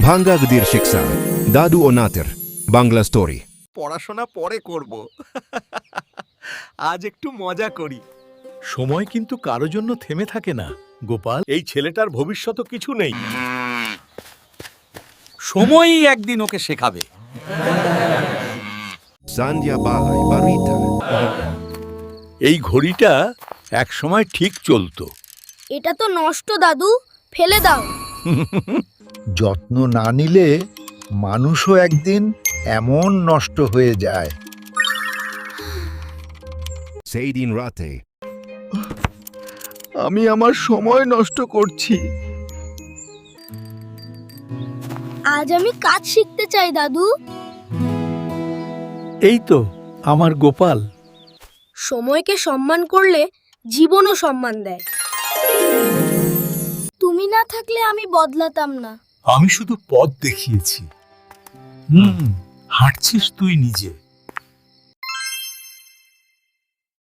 ভাঙ্গা গদির শিক্ষা দাদু ও নাতের বাংলা স্টোরি। পড়াশোনা পরে করব। আজ একটু মজা করি। সময় কিন্তু কারো জন্য থেমে থাকে না গোপাল। এই ছেলেটার ভবিষ্যৎ কিছু নেই। সময়ই একদিন ওকে শেখাবে। সান্ধ্যা বালাই বারিতা। এই ঘড়িটা এক সময় ঠিক চলতো। এটা তো নষ্ট দাদু, ফেলে দাও। যত্ন না নিলে মানুষও একদিন এমন নষ্ট হয়ে যায়। সেই দিন রাতে আমি আমার সময় নষ্ট করছি। আজ আমি কাজ শিখতে চাই দাদু। এই তো আমার গোপাল। সময়কে সম্মান করলে জীবনও সম্মান দেয়। তুমি না থাকলে আমি বদলাতাম না। আমি শুধু পথ দেখিয়েছি। হাঁটছিস তুই নিজে।